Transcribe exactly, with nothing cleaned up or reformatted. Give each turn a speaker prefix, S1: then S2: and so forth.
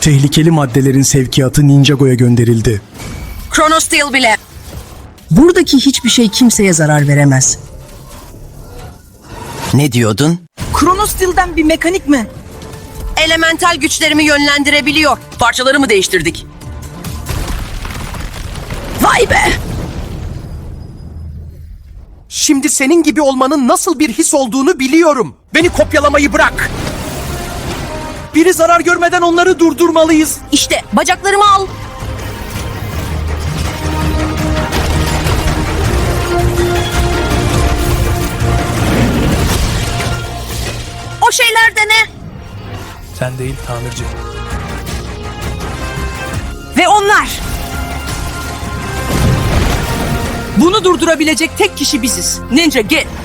S1: Tehlikeli maddelerin sevkiyatı Ninjago'ya gönderildi.
S2: Chronosteel bile.
S3: Buradaki hiçbir şey kimseye zarar veremez.
S4: Ne diyordun?
S3: Chronosteel'den bir mekanik mi?
S2: Elemental güçlerimi yönlendirebiliyor. Parçalarımı değiştirdik. Vay be!
S5: Şimdi senin gibi olmanın nasıl bir his olduğunu biliyorum. Beni kopyalamayı bırak. Biri zarar görmeden onları durdurmalıyız.
S2: İşte bacaklarımı al. O şeyler de ne?
S6: Sen değil tamirci.
S3: Ve onlar! Bunu durdurabilecek tek kişi biziz. Ninja git!